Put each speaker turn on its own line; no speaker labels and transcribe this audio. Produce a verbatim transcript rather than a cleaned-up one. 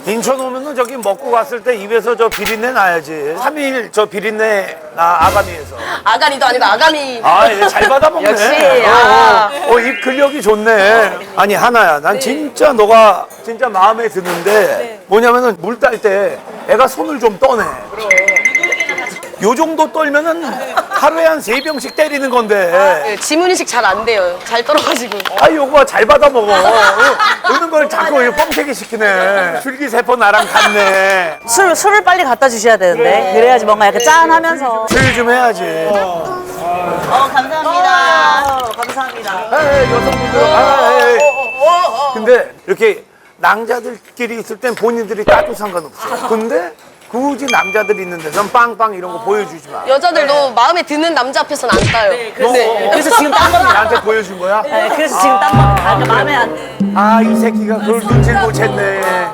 인천 오면은 저기 먹고 갔을 때 입에서 저 비린내 나야지. 삼 일 저 비린내 나 아가미에서.
아가리도 아니고 아가미.
아, 얘 잘 받아먹네.
역시,
어,
아.
어, 어, 입 근력이 좋네. 아니, 하나야. 난 진짜 너가 진짜 마음에 드는데 뭐냐면은 물 딸 때 애가 손을 좀 떠내. 요 정도 떨면은 하루에 한 세 병씩 때리는 건데.
네, 지문인식 잘 안 돼요. 잘 떨어가지고.
아, 요거 잘 받아먹어. 이런 걸 자꾸 뻥튀기 시키네. 줄기세포 나랑 같네.
술, 술을 빨리 갖다 주셔야 되는데. 그래야지 뭔가 약간 짠하면서.
술 좀 해야지.
어, 감사합니다. 어, 감사합니다.
에이, 여성분들. 아, 에이. 근데 이렇게 낭자들끼리 있을 땐 본인들이 따도 상관없어. 근데 굳이 남자들 있는 데선 빵빵 이런 거 보여주지 마.
여자들도 마음에 드는 남자 앞에서는 안 따요.
그래서,
네.
그래서 지금 딴 겁니다.
나한테 보여준 거야?
네, 그래서 지금 딴 겁니다. 아, 그러니까 마음에 안.
아, 이 새끼가 그걸 눈치를 못 챘네.